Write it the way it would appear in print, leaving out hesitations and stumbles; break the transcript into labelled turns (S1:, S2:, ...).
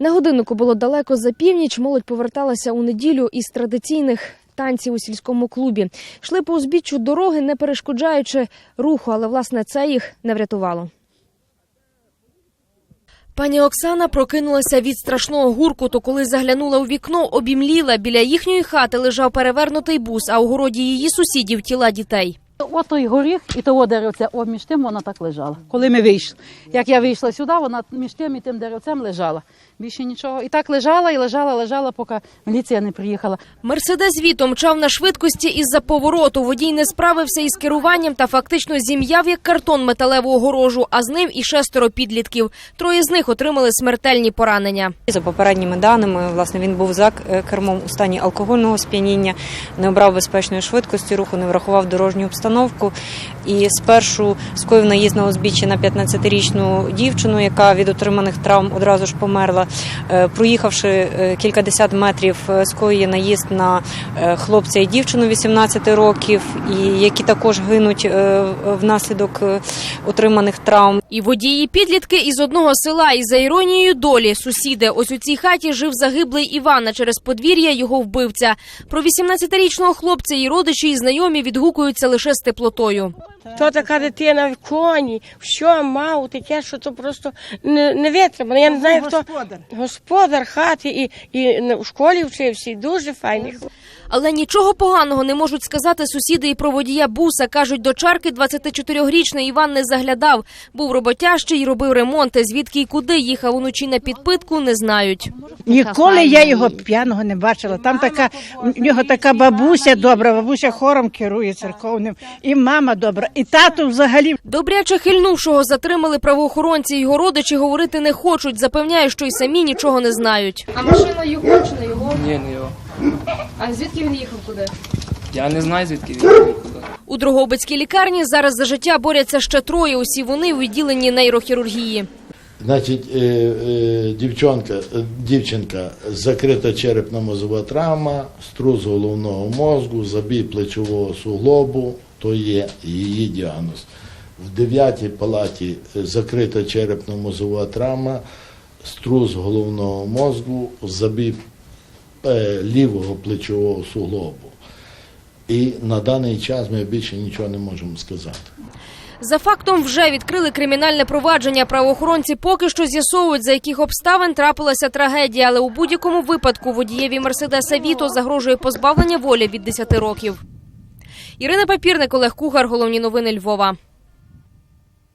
S1: На годиннику було далеко за північ, молодь поверталася у неділю із традиційних танців у сільському клубі. Йшли по узбіччю дороги, не перешкоджаючи руху, але, власне, це їх не врятувало. Пані Оксана прокинулася від страшного гуркоту, коли заглянула у вікно, обімліла. Біля їхньої хати лежав перевернутий бус, а у городі її сусідів – тіла дітей.
S2: От той горіх і того деревця, між тим вона так лежала. Коли ми вийшли, як я вийшла сюди, вона між тим і тим деревцем лежала. Більше нічого. І так лежала, і лежала, поки міліція не приїхала.
S1: Мерседес Віто мчав на швидкості із-за повороту. Водій не справився із керуванням та фактично зім'яв як картон металеву огорожу, а з ним і 6 підлітків. 3 з них отримали смертельні поранення.
S3: За попередніми даними, власне, він був за кермом у стані алкогольного сп'яніння, не обрав безпечної швидкості руху, не врахував дорожню обстановку і спершу скоїв наїзд на узбіччя на 15-річну дівчину, яка від отриманих травм одразу ж померла. Проїхавши кількадесят метрів, скоює наїзд на хлопця і дівчину 18 років, і які також гинуть внаслідок отриманих травм.
S1: І водії підлітки із одного села, і за іронією долі сусіди. Ось у цій хаті жив загиблий Іван, а через подвір'я його вбивця. Про 18-річного хлопця і родичі, і знайомі відгукуються лише з теплотою.
S4: То така дитина в коні, що мав, таке, що то просто не витримано. Я не знаю, хто господар хати і в школі вчився, і дуже файний.
S1: Але нічого поганого не можуть сказати сусіди і про водія буса. Кажуть, до чарки 24-річний Іван не заглядав. Був роботящий і робив ремонти. Звідки і куди їхав уночі на підпитку, не знають.
S5: Ніколи я його п'яного не бачила. Там у нього така бабуся добра, бабуся хором керує церковним, і мама добра, і тато взагалі.
S1: Добряче хильнувшого затримали правоохоронці. Його родичі говорити не хочуть. Запевняють, що й самі нічого не знають. А машина його чи не його?
S6: Ні, не його.
S1: А звідки він їхав куди?
S6: Я не знаю, звідки він їхав куди. У
S1: Дрогобицькій лікарні зараз за життя борються ще 3. Усі вони у відділенні нейрохірургії.
S7: Значить, дівчинка закрита черепно-мозова травма, струс головного мозку, забій плечового суглобу, то є її діагноз. В 9-й палаті закрита черепно-мозова травма, струс головного мозку, забій лівого плечового суглобу. І на даний час ми більше нічого не можемо сказати.
S1: За фактом вже відкрили кримінальне провадження. Правоохоронці поки що з'ясовують, за яких обставин трапилася трагедія. Але у будь-якому випадку водієві Мерседеса Віто загрожує позбавлення волі від 10 років. Ірина Папірник, Олег Кугар. Головні новини Львова.